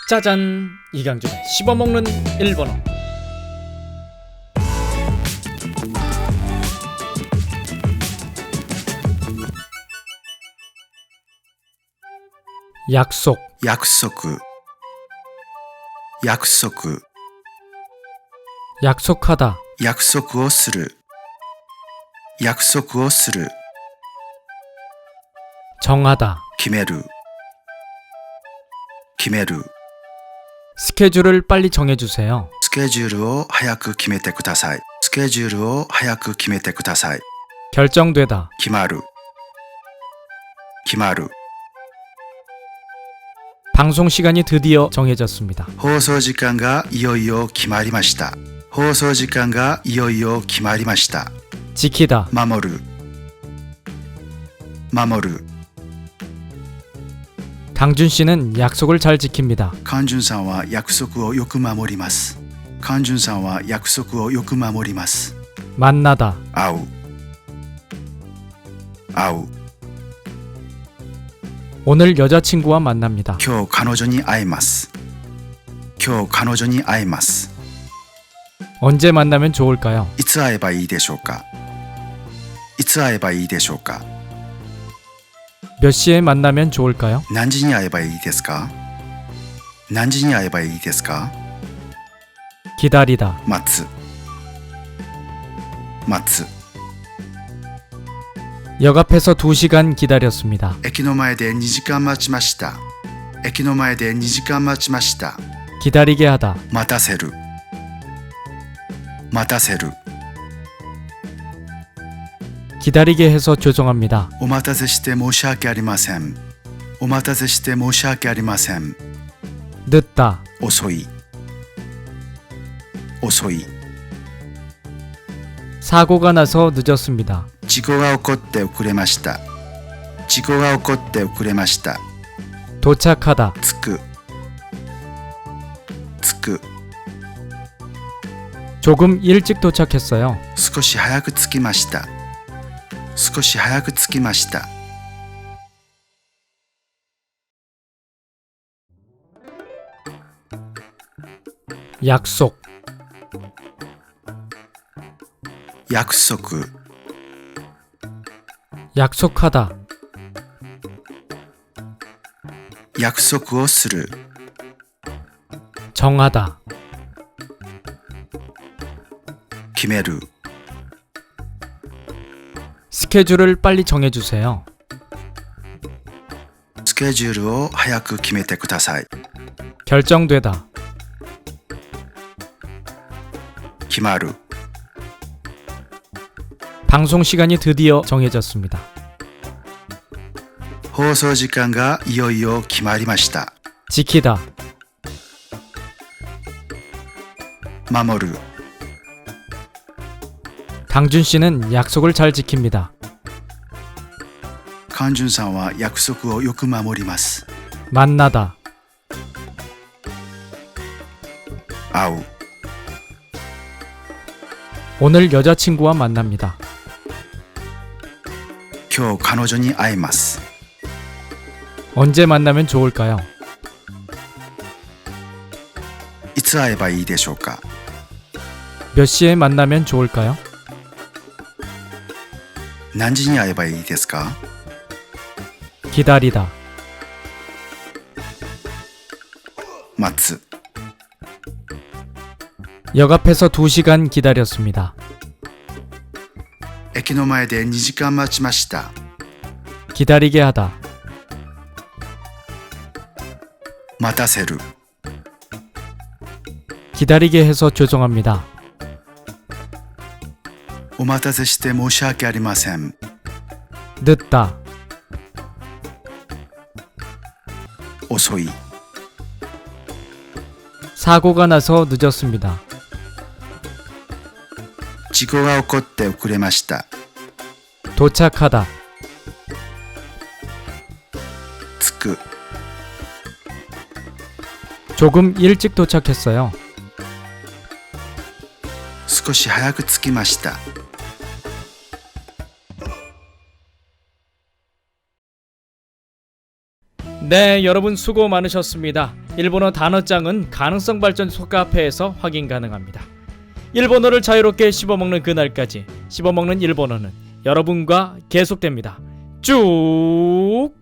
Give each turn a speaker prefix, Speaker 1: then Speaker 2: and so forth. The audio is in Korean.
Speaker 1: 짜잔! 이강준의 씹어먹는 일본어. 약속,
Speaker 2: 約束約束
Speaker 1: 약속하다,
Speaker 2: 約束をする約束をする
Speaker 1: 정하다,
Speaker 2: 決める決める
Speaker 1: 스케줄을 빨리 정해주세요.
Speaker 2: スケジュールを早く決めてくださいスケジュールを早く決めてください
Speaker 1: 결정되다,
Speaker 2: 決まる決まる
Speaker 1: 방송 시간이 드디어 정해졌습니다.
Speaker 2: 放送時間がいよいよ決まりました放送時間がいよいよ決まりました
Speaker 1: 지키다,
Speaker 2: 守る守る
Speaker 1: 강준 씨는 약속을 잘 지킵니다.
Speaker 2: カンジュンさんは約束をよく守りますカンジュンさんは約束をよく守ります
Speaker 1: 만나다,
Speaker 2: 会う会う
Speaker 1: 오늘 여자친구와 만납니다.
Speaker 2: 今日彼女に会います今日彼女に会います
Speaker 1: 언제 만나면 좋을까요?
Speaker 2: いつ会えばいいでしょうかいつ会えばいいでしょうか
Speaker 1: 몇 시에 만나면 좋을까요?
Speaker 2: 何時に会えばいいですか何時に会えばいいですか
Speaker 1: 기다리다,
Speaker 2: 待つ待つ
Speaker 1: 역 앞에서 2시간 기다렸습니다.
Speaker 2: 駅の前で2時間待ちました駅の前で2時間待ちました
Speaker 1: 기다리게 하다,
Speaker 2: 待たせる待たせる
Speaker 1: 기다리게 해서 죄송합니다.
Speaker 2: お待たせして申し訳ありませんお待たせして申し訳ありません
Speaker 1: 늦다,
Speaker 2: 遅い遅い
Speaker 1: 사고가 나서 늦었습니다.
Speaker 2: 事故が起こって遅れました事故が起こって遅れました
Speaker 1: 도착하다,
Speaker 2: 着く着く
Speaker 1: 조금 일찍 도착했어요.
Speaker 2: 少し早く着きました少し早く着きました
Speaker 1: 약속,
Speaker 2: 約束
Speaker 1: 약속하다,
Speaker 2: 約束をする
Speaker 1: 정하다,
Speaker 2: 決める
Speaker 1: 스케줄을 빨리 정해주세요.
Speaker 2: スケジュールを早く決めてください
Speaker 1: 결정되다,
Speaker 2: 決まる
Speaker 1: 방송 시간이 드디어 정해졌습니다.
Speaker 2: 放送時間がいよいよ決まりました
Speaker 1: 지키다,
Speaker 2: 守る
Speaker 1: 강준 씨는 약속을 잘 지킵니다.
Speaker 2: カンジュンさんは約束をよく守ります
Speaker 1: 만나다,
Speaker 2: 会う
Speaker 1: 오늘 여자친구와 만납니다.
Speaker 2: 今日彼女に会います
Speaker 1: 언제 만나면 좋을까요?
Speaker 2: いつ会えばいいでしょうか
Speaker 1: 몇 시에 만나면 좋을까요?
Speaker 2: 何時に会えばいいですか
Speaker 1: 기다리다,
Speaker 2: 待つ
Speaker 1: 역 앞에서 2시간 기다렸습니다.
Speaker 2: 駅の前で2時間待ちました
Speaker 1: 기다리게 하다,
Speaker 2: 待たせる
Speaker 1: 기다리게 해서 죄송합니다.
Speaker 2: お待たせして申し訳ありません
Speaker 1: 늦다,
Speaker 2: 遅い
Speaker 1: 사고가 나서 늦었습니다.
Speaker 2: 事故が起こって遅れました
Speaker 1: 도착하다,
Speaker 2: 着く
Speaker 1: 조금 일찍 도착했어요.
Speaker 2: 少し早く着きました
Speaker 1: 네, 여러분 수고 많으셨습니다. 일본어 단어장은 가능성 발전소 카페에서 확인 가능합니다. 일본어를 자유롭게 씹어먹는 그날까지 씹어먹는 일본어는 여러분과 계속됩니다. 쭉